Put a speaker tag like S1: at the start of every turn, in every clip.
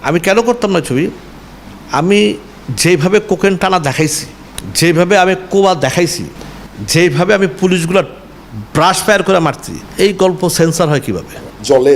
S1: আমি কেন করতাম না ছবি? আমি যেইভাবে কোকেন টানা দেখাইছি, যেইভাবে আমি কোয়া দেখাইছি, যেইভাবে আমি পুলিশগুলোর ব্রাশ ফায়ার করে মারছি, এই গল্প সেন্সার হয় কিভাবে?
S2: জলে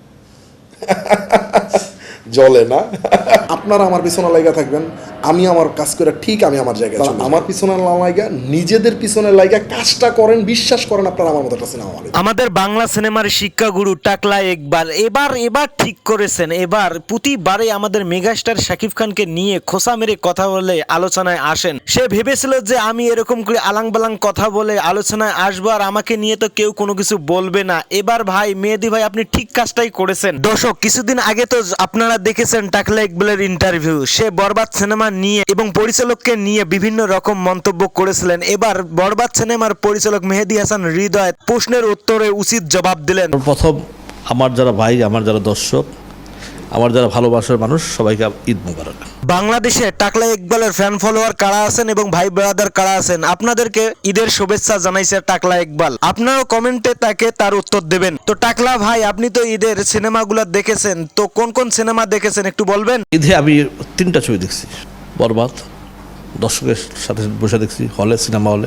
S2: জলে না। আপনারা আমার পিছনে লাইগা থাকবেন, আমি আমার কাজ করে ঠিক আমি আমার জায়গায় চলে যাব। আমার পিছনে না লাইগা নিজেদের পিছনে লাইগা কাজটা করেন, বিশ্বাস করেন আপনারা আমার মতো একটা সিনেমা হলে।
S3: আমাদের বাংলা সিনেমার শিক্ষাগুরু টাকলা ইকবাল এবার ঠিক করেছেন। এবার প্রতিবারে আমাদের মেগাস্টার শাকিব খানকে নিয়ে খোসা মেরে কথা বলে আলোচনায় আসেন। সে ভেবেছিল যে আমি এরকম করে আলাং বালাং কথা বলে আলোচনায় আসবো আর আমাকে নিয়ে তো কেউ কোনো কিছু বলবে না। এবার ভাই মেহেদী ভাই আপনি ঠিক কাজটাই করেছেন। দর্শক, কিছুদিন আগে তো আপনারা দেখেছেন টাকলা ইকবালের ইন্টারভিউ। সে বরবাদ সিনেমা নিয়ে এবং পরিচালককে নিয়ে বিভিন্ন রকম মন্তব্য করেছিলেন। এবার বরবাদ সিনেমার পরিচালক মেহেদী হাসান হৃদয় প্রশ্নের উত্তরে উচিত জবাব দিলেন।
S1: প্রথম আমার যারা ভাই, আমার যারা দর্শক, আমার যারা ভালোবাসার মানুষ, সবাইকে ঈদ মোবারক।
S3: বাংলাদেশে টাকলা ইকবালের ফ্যান ফলোয়ার কারা আছেন এবং ভাই ব্রাদার কারা আছেন, আপনাদেরকে ঈদের শুভেচ্ছা জানাইছে টাকলা ইকবাল। আপনারাও কমেন্টে তাকে তার উত্তর দেবেন। তো টাকলা ভাই, আপনি তো ঈদের সিনেমাগুলো দেখেছেন, তো কোন কোন সিনেমা দেখেছেন একটু বলবেন?
S1: ঈদে আমি 3টা ছবি দেখছি। বরবাদ দর্শকের সাথে বসে দেখছি হলে, সিনেমা হলে,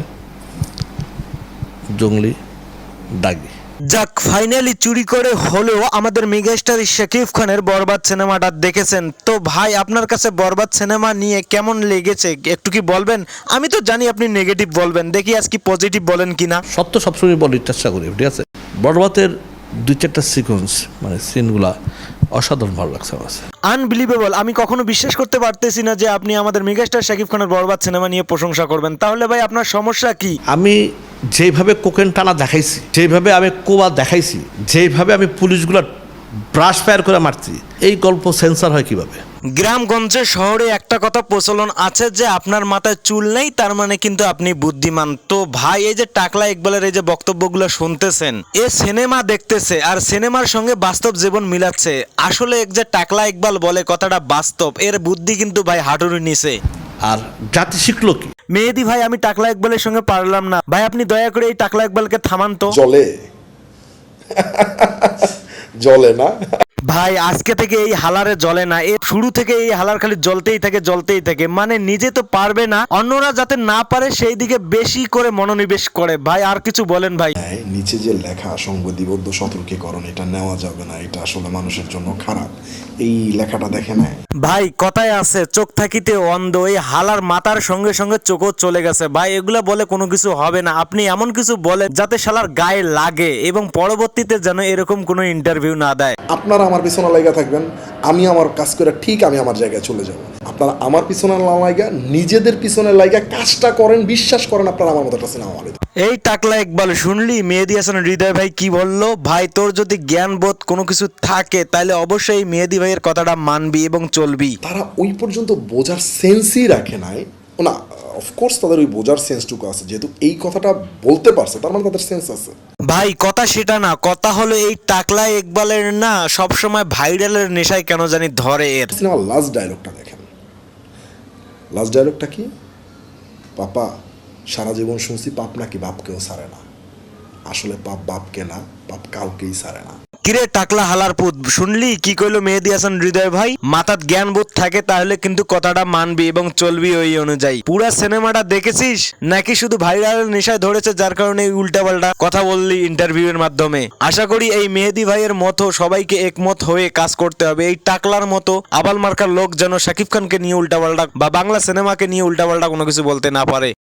S1: জঙ্গলি, দাগি।
S3: যাক, ফাইনালি চুরি করে হলেও আমাদের মেগাস্টার শাকিব খানের বরবাদ সিনেমাটা দেখেছেন। তো ভাই, আপনার কাছে বরবাদ সিনেমা নিয়ে কেমন লেগেছে একটু কি বলবেন? আমি তো জানি আপনি নেগেটিভ বলবেন, দেখি আজকে পজিটিভ বলেন কিনা।
S1: সত্য সবসময় বলার চেষ্টা করি, ঠিক আছে? বরবাদের 2-4টা সিকোয়েন্স, মানে সিনগুলা অসাধারণ ভালো লাগছে আমার কাছে।
S3: আনবিলিভেবল। আমি কখনো বিশ্বাস করতে পারতেছি না যে আপনি আমাদের মেগাস্টার শাকিব খানের বরবাদ সিনেমা নিয়ে প্রশংসা করবেন। তাহলে ভাই আপনার সমস্যা কি?
S1: আমি যেইভাবে কোকেন টানা দেখাইছি, যেইভাবে আমি কোয়া দেখাইছি, যেইভাবে আমি পুলিশগুলোর ব্রাশ ফায়ার করে মারছি, এই গল্প সেন্সার হয় কিভাবে?
S3: গ্রামগঞ্জে শহরে একটা কথা প্রচলন আছে যে আপনার মাথায় চুল নেই তার মানে কিন্তু আপনি বুদ্ধিমান। তো ভাই, এই যে টাকলা ইকবালের এই যে বক্তব্যগুলো শুনতেছেন, এ সিনেমা দেখতেছে আর সিনেমার সঙ্গে বাস্তব জীবন মিলাচ্ছে। আসলে এক যে টাকলা ইকবাল বলে কথাটা বাস্তব, এর বুদ্ধি কিন্তু ভাই হাঁটুর নিচে।
S1: আর জাতি শিখলো কি?
S3: মেহেদী ভাই, আমি টাকলা ইকবালের সঙ্গে পারলাম না ভাই, আপনি দয়া করে এই টাকলা ইকবালকে থামান তো।
S2: জলে জলে না।
S3: ভাই, আজকে থেকে এই হালারে জ্বলে না, এ শুরু থেকে এই হালার খালি জ্বলতেই থাকে, মানে নিজে তো পারবে না, অন্যরা যাতে না পারে সেই দিকে বেশি করে মনোনিবেশ করে। ভাই আর কিছু বলেন ভাই।
S2: নিচে যে লেখা সংবিধিবদ্ধ সতর্কীকরণ, এটা নেওয়া যাবে না, এটা আসলে মানুষের জন্য খারাপ, এই লেখাটা দেখে নেয়।
S3: ভাই, কথায় আছে চোখ থাকিতে অন্ধ, এই হালার মাথার সঙ্গে সঙ্গে চোখও চলে গেছে। ভাই, এগুলা বলে কোনো কিছু হবে না। আপনি এমন কিছু বলেন যাতে শালার গায়ে লাগে এবং পরবর্তীতে যেন এরকম কোনো ইন্টারভিউ না দেয়।
S2: আপনারা আমার পিছনে লাইগা থাকবেন, আমি আমার কাজ করে ঠিক আমি আমার জায়গায় চলে যাব। আপনারা আমার পিছনে না লাইগা নিজেদের পিছনে লাইগা কাজটা করেন, বিশ্বাস করেন আপনারা আমার মতো একটা সিনেমা হলে।
S3: এই টাকলা ইকবাল, শুনলি মেহেদী হাসান হৃদয় ভাই কি বললো? ভাই, তোর যদি জ্ঞান বোধ কোনো কিছু থাকে তাহলে অবশ্যই মেহেদী ভাইয়ের কথাটা মানবি এবং চলবি।
S2: তারা ওই পর্যন্ত বোঝার সেন্সই রাখে নাই না। অফকোর্স তাদের ওই বোঝার সেন্সটুকু আছে, যেহেতু এই কথাটা বলতে পারছে তার মানে তাদের সেন্স আছে।
S3: ভাই, কথা সেটা না, কথা হলো এই টাকলা ইকবালের না সবসময় ভাইরালের নেশায় কেন জানি ধরে এর।
S2: সিনেমার লাস্ট ডায়লগটা দেখেন। লাস্ট ডায়লগটা কি? পাপা, সারা জীবন শুনছি পাপ নাকি বাপকেও ছাড়ে না। আসলে পাপ বাপকে না, পাপ কাউকেই ছাড়ে না।
S3: কিরে টাকলা হালার পুত, শুনলি কি কইলো মেহেদী হাসান হৃদয় ভাই? মাথার জ্ঞান বোধ থাকে তাহলে কিন্তু কথাটা মানবি এবং চলবি ওই অনুযায়ী। পুরা সিনেমাটা দেখেছিস নাকি শুধু ভাইরালের নেশায় ধরেছে যার কারণে উল্টাপাল্টা কথা বললি ইন্টারভিউ এর মাধ্যমে? আশা করি এই মেহেদী ভাইয়ের মতো সবাইকে একমত হয়ে কাজ করতে হবে। এই টাকলার মতো আবাল মার্কার লোক যেন শাকিব খানকে নিয়ে উল্টাপাল্টা বা বাংলা সিনেমাকে নিয়ে উল্টাপাল্টা কোনো কিছু বলতে না পারে।